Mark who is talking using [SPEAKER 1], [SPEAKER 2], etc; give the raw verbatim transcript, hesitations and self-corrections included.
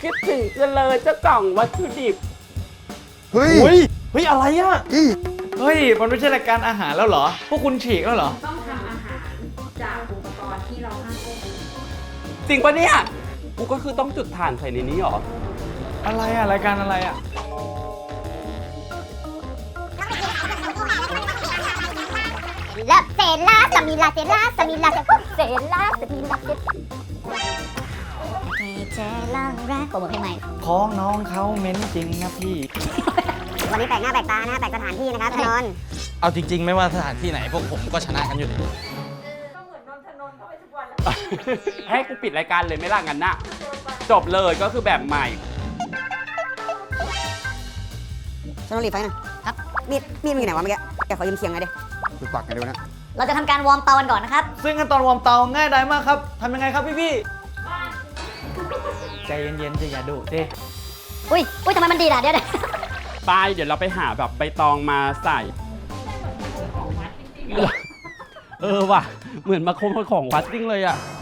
[SPEAKER 1] คิดถึงจะเลยเจ้ากล่องวัตถุดิบ
[SPEAKER 2] เฮ้ย
[SPEAKER 3] เฮ้ยเฮ้ยอะไรอ่ะ
[SPEAKER 2] อี
[SPEAKER 3] เฮ้ยมันไม่ใช่รายการอาหารแล้วเหรอพวกคุณฉีกแล้วเหรอ
[SPEAKER 4] ต้องทำอาหารจากอุปกรณ์ที่เราห้ามควบคุม
[SPEAKER 1] จริงปะเนี่ยกูก็คือต้องจุดถ่านใส่ในนี้หรอ
[SPEAKER 3] อะไรอ่ะรายการอะไรอ่ะ
[SPEAKER 5] และเซล่าสมิลาเซล่าสมิลาเซเซล่าสมิลาเซเจล่าแรกโปรโมทเพลงใหม่
[SPEAKER 3] ของน้องเขาเม้นจริงนะพี่
[SPEAKER 5] วันนี้แปลกหน้าแปลกตานะแปลกสถานที่นะครับถนน
[SPEAKER 6] เอาจริงๆ ไม่ว่าสถานที่ไหนพวกผมก็ชนะกันอยู่ดี
[SPEAKER 1] ให้กูปิดรายการเลยไหม่ล่ะงั้นน่ะจบเลยก็คือแบบใหม่
[SPEAKER 5] ฉันต้องรีบไฟนะครับมีดมีดมันอยู่ไหนวะเมื่อกี้แกขอยืมเคียงหน่อยดิ
[SPEAKER 2] ไปปักกันดูนะ
[SPEAKER 5] เราจะทำการวอร์มเตากันก่อนนะครับ
[SPEAKER 3] ซึ่งขั้นตอนวอร์มเตาง่ายดายมากครับทำยังไงครับพี่พี่ใจเย็นๆจะอย่าดุดิ
[SPEAKER 5] อุ้ยอุ้ยทำไมมันดีล่ะเดี๋ยวเดี๋ยว
[SPEAKER 1] ไปเดี๋ยวเราไปหาแบบใบตองมาใส่ เออว่ะ เหมือนมาคมของวัดจริงเลยอ่ะ